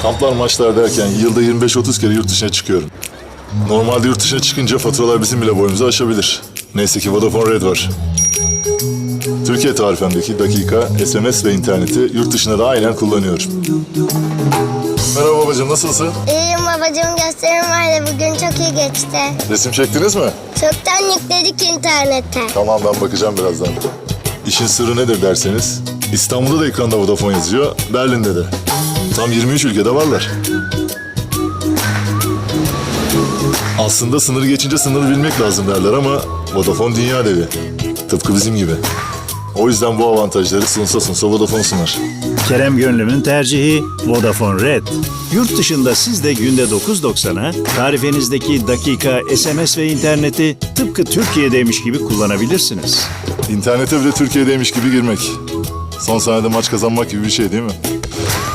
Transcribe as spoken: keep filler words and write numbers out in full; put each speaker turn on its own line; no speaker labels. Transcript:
Kamplar, maçlar derken yılda yirmi beş otuz kere yurt dışına çıkıyorum. Normalde yurt dışına çıkınca faturalar bizim bile boyumuzu aşabilir. Neyse ki Vodafone Red var. Türkiye tarifemdeki dakika, S M S ve interneti yurt dışında da aynen kullanıyorum. Merhaba babacığım, nasılsın?
İyiyim babacığım, gösterim vardı bugün, çok iyi geçti.
Resim çektiniz mi?
Çoktan yükledik internete.
Tamam, ben bakacağım birazdan. İşin sırrı nedir derseniz, İstanbul'da da ekranda Vodafone yazıyor, Berlin'de de. Tam yirmi üç ülkede varlar. Aslında sınırı geçince sınırı bilmek lazım derler ama Vodafone dünya devi. Tıpkı bizim gibi. O yüzden bu avantajları sunsa sunsa Vodafone sunar.
Kerem Gönlüm'ün tercihi Vodafone Red. Yurt dışında siz de günde dokuz doksana tarifenizdeki dakika, S M S ve interneti tıpkı Türkiye'deymiş gibi kullanabilirsiniz.
İnternete bile Türkiye'deymiş gibi girmek. Son saniyede maç kazanmak gibi bir şey değil mi?